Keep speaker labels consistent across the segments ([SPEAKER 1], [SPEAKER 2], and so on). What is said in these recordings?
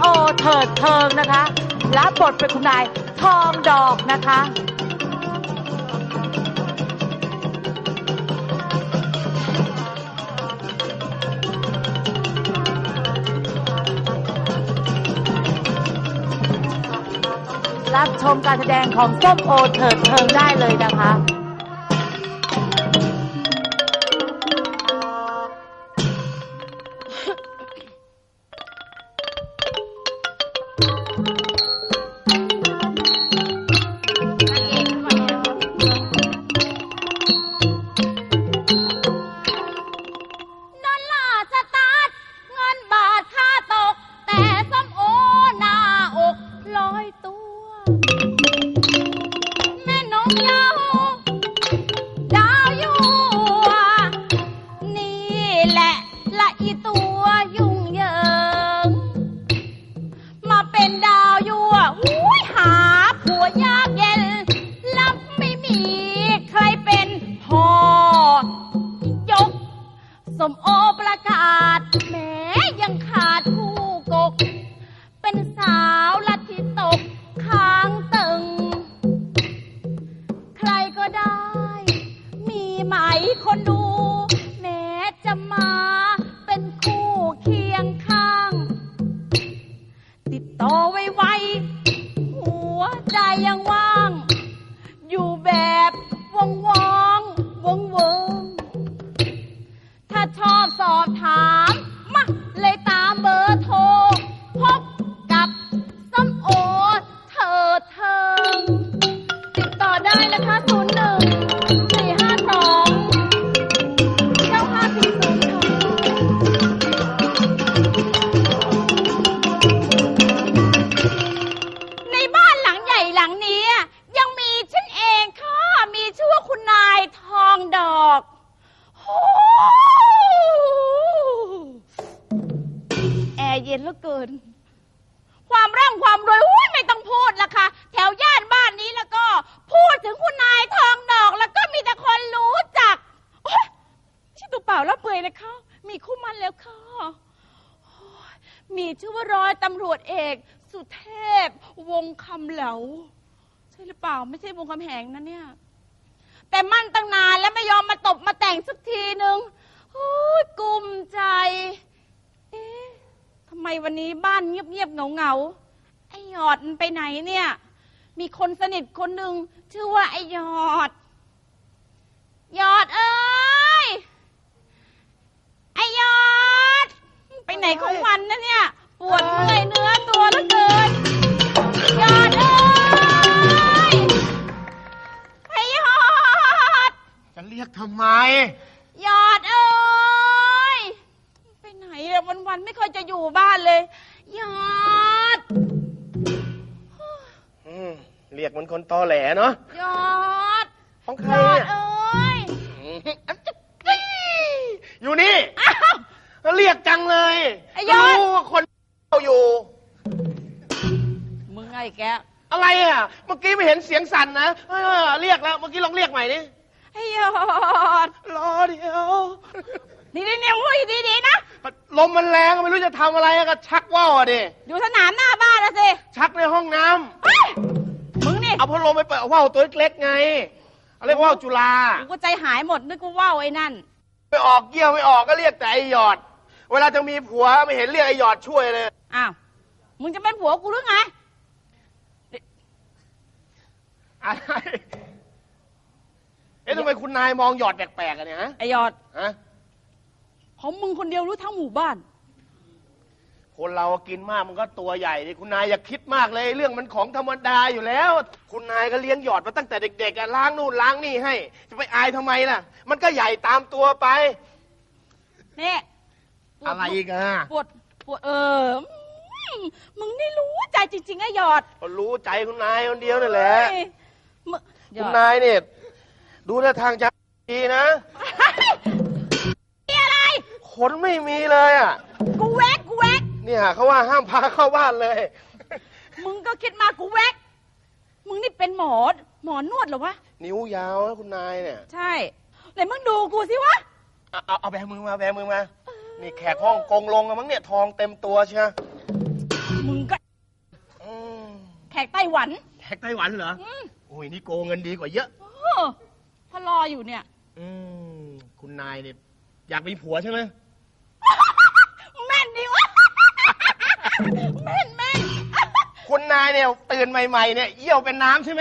[SPEAKER 1] โอเถิดเทิงนะคะรับบทเป็นคุณนายทองดอกนะคะรับชมการแสดงของส้มโอเถิดเทิงได้เลยนะคะส้มโอประกาศแม้ยังขาดผู้กกเป็นสาวลัทธิตกค้างตึงใครก็ได้มีไหมคนดูแม้จะมาเป็นคู่เคียงข้างติดต่อไวๆหัวใจยังว่างอยู่แบบวงถ้าชอบสอบถามมาเลยตามเบอร์โทรพบกับส้มโอเถิดเทิงติดต่อได้นะคะ01-452-9540ในบ้านหลังใหญ่หลังนี้ยังมีฉันเองค่ะมีชื่อว่าคุณนายทองดอกแอร์เย็นเหลือเกินความร่ำความรวยไม่ต้องพูดละค่ะแถวย่านบ้านนี้แล้วก็พูดถึงคุณนายทองดอกแล้วก็มีแต่คนรู้จักชื่อตัวเปล่าแล้วเปื่อยเลยค่ะมีคู่มันแล้วค่ะมีชื่อว่าร้อยตำรวจเอกสุเทพวงคำเหลาใช่หรือเปล่าไม่ใช่วงคำแหงนะเนี่ยแต่มั่นตั้งนานแล้วไม่ยอมมาตบมาแต่งสักทีนึงกุ้มใจทำไมวันนี้บ้านเงียบเหงาไอ้หยอดมันไปไหนเนี่ยมีคนสนิทคนหนึ่งชื่อว่าไอ้หยอดเอ้ยไอ้หยอดไปไหนของวันนะเนี่ยปวดเมื่อยเนื้อตัวเหลือเกินหยอดเอ้ยไอ้หยอด
[SPEAKER 2] จะเรียกทำไม
[SPEAKER 1] หยอดเอ้ยไปไหนอะวันไม่ค่อยจะอยู่บ้านเลยหยอด
[SPEAKER 2] เรียกเหมือนคนตอแหลเนาะ
[SPEAKER 1] หยอด
[SPEAKER 2] ของใคร
[SPEAKER 1] เอ้ย
[SPEAKER 2] อยู่นี่เรียกจังเลยรู้ว่าคนอยู่
[SPEAKER 1] มึงไงแก
[SPEAKER 2] อะไรอ่ะเมื่อกี้ไม่เห็นเสียงสั่นนะเรียกแล้วเมื่อกี้ลองเรียกใหม่ดิ
[SPEAKER 1] ไอ้หยอด
[SPEAKER 2] รอเดี๋ยว
[SPEAKER 1] นี่พูดดีๆนะ
[SPEAKER 2] ลมมันแรงไม่รู้จะทำอะไรก็ชักว่าวดิ
[SPEAKER 1] อยู่สนามหน้าบ้านแล้วสิ
[SPEAKER 2] ชักในห้องน้
[SPEAKER 1] ำมึงนี่
[SPEAKER 2] เอาพัดลมไปเปิดว่าวตัวเล็กๆไงเรียกว่าวจุฬา
[SPEAKER 1] กูก็ใจหายหมดนึกว่าว่าวไอ้นั่น
[SPEAKER 2] ไม่ออกเกี่ยวไม่ออกก็เรียกแต่ไอ้หยอดเวลาจะมีผัวไม่เห็นเรียกไอ้หยอดช่วยเลย
[SPEAKER 1] อ้าวมึงจะเป็นผัวกูหรือไง
[SPEAKER 2] อะไรทำไมคุณนายมองหยอดแปลกๆกันเนี่ยฮะ
[SPEAKER 1] ไอ้หยอด
[SPEAKER 2] ฮะ
[SPEAKER 1] ของมึงคนเดียวรู้ทั้งหมู่บ้าน
[SPEAKER 2] คนเรากินมากมันก็ตัวใหญ่ดิคุณนายอย่าคิดมากเลยเรื่องมันของธรรมดาอยู่แล้วคุณนายก็เลี้ยงหยอดมาตั้งแต่เด็กๆล้างนู่นล้างนี่ให้จะไปอายทำไมล่ะมันก็ใหญ่ตามตัวไป
[SPEAKER 1] นี่
[SPEAKER 2] อะไรอีกอะ
[SPEAKER 1] ปวดมึงนี่รู้ใจจริงๆไอ้หยอด
[SPEAKER 2] ก็รู้ใจคุณนายคนเดียวนั่นแหละคุณนายเนี่ยดูท่าทางจะดีนะ
[SPEAKER 1] มีอะไร
[SPEAKER 2] ขนไม่มีเลยอ่ะ
[SPEAKER 1] กูแวก
[SPEAKER 2] เนี่ยเขาว่าห้ามพาเข้าบ้านเลย
[SPEAKER 1] มึงก็คิดมากูแวกมึงนี่เป็นหมอนวดเหรอวะ
[SPEAKER 2] นิ้วยาวนะคุณนายเนี่ย
[SPEAKER 1] ใช่ไหนมึงดูกูสิวะ
[SPEAKER 2] เอาแบมือมานี่แขกห้องกงลงมั้งเนี่ยทองเต็มตัวเชียว
[SPEAKER 1] มึงมึงก็
[SPEAKER 2] อืม
[SPEAKER 1] แขกไต้หวัน
[SPEAKER 2] แขกไต้หวันเหรอ
[SPEAKER 1] อืม
[SPEAKER 2] โอ้ยนี่โกงเงินดีกว่าเยอะ
[SPEAKER 1] เออพอรออยู่เนี่ย
[SPEAKER 2] อืมคุณนายเนี่ยอยากมีผัวใช่ไหม
[SPEAKER 1] แม่นดิวะ แม่นแม่น
[SPEAKER 2] คุณนายเนี่ยตื่นใหม่ๆเนี่ยเยี่ยวเป็นน้ำใช่ไหม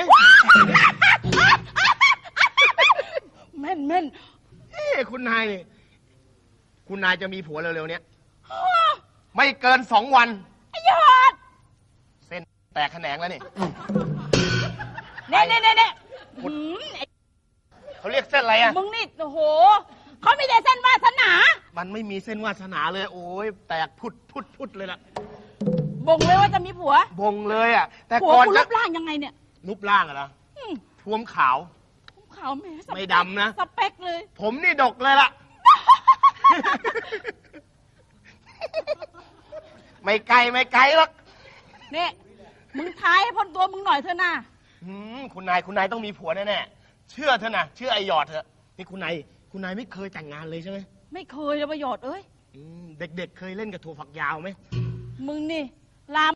[SPEAKER 1] แม่นแม่น
[SPEAKER 2] เอ้คุณนายเนี่ยคุณนายจะมีผัวเร็วๆเนี้ยไม่เกิน2 วัน
[SPEAKER 1] ไอ้ยอด
[SPEAKER 2] เส้นแตกแขนงแล้วนี่
[SPEAKER 1] เน่เน่เน่เน่หืมไอ้
[SPEAKER 2] เขาเรียกเส้นอะไรอ่ะ
[SPEAKER 1] มึงนี่โอ้โหเขามีแต่เส้นวาสนา
[SPEAKER 2] มันไม่มีเส้นวาสนาเลย โอ้ยแตกพุดเลยล่ะ
[SPEAKER 1] บ่งเลยว่าจะมีผัว
[SPEAKER 2] บงเลยอ่ะ แต่
[SPEAKER 1] ผัว
[SPEAKER 2] ก่อน
[SPEAKER 1] กู
[SPEAKER 2] จะ
[SPEAKER 1] รูปร่างยังไงเนี่ย
[SPEAKER 2] รูปร่างอะนะ
[SPEAKER 1] อืม
[SPEAKER 2] ท้วมขาว
[SPEAKER 1] ขาวแหม่สเปค
[SPEAKER 2] ไม่ดำนะ
[SPEAKER 1] สเปคเลย
[SPEAKER 2] ผมนี่ดกเลยล่ะ ไม่ไกลหรอก
[SPEAKER 1] เนี่ยมึงทายให้พ้นตัวมึงหน่อยเถอะนะ
[SPEAKER 2] คุณนายต้องมีผัวแน่ๆเชื่อเถอะนะเชื่อไอหยอดเถอะนี่คุณนายไม่เคยแต่งงานเลยใช่ไหม
[SPEAKER 1] ไม่เคยเลยประโยชน์เอ้ย
[SPEAKER 2] เด็กๆเคยเล่นกับถั่วฝักยาวไหม
[SPEAKER 1] มึงนี่ลาม